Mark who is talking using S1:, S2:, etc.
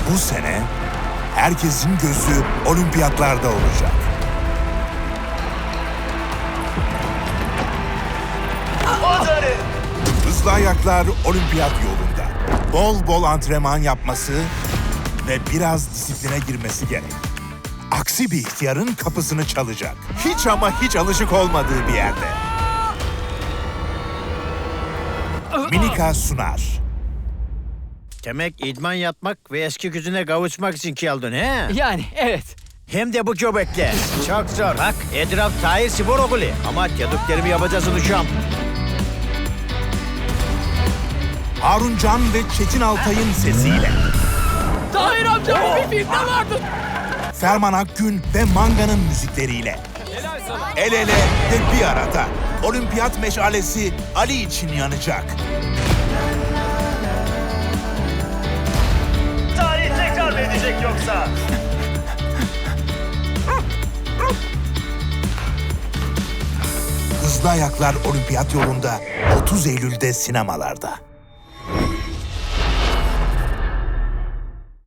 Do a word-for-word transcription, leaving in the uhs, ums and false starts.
S1: Bu sene herkesin gözü olimpiyatlarda olacak. Hızlı ayaklar olimpiyat yolunda. Bol bol antrenman yapması ve biraz disipline girmesi gerek. Aksi bir ihtiyarın kapısını çalacak. Hiç ama hiç alışık olmadığı bir yerde. Minika sunar.
S2: Demek idman yapmak ve eski gücüne kavuşmak için geldin he?
S3: Yani evet.
S2: Hem de bu göbekle. Çok zor. Bak etraf Tahir Spor Okulu. Ama dediklerimi yapacaksın uşağım.
S1: Harun Can ve Çetin Altay'ın sesiyle.
S3: Tahir amca bir filmde vardı.
S1: Ferman Akgün ve Manga'nın müzikleriyle. El ele ve bir arada. Olimpiyat meşalesi Ali için yanacak.
S4: Tarih tekrar mı edecek yoksa?
S1: Hızlı Ayaklar Olimpiyat yolunda otuz Eylül'de sinemalarda.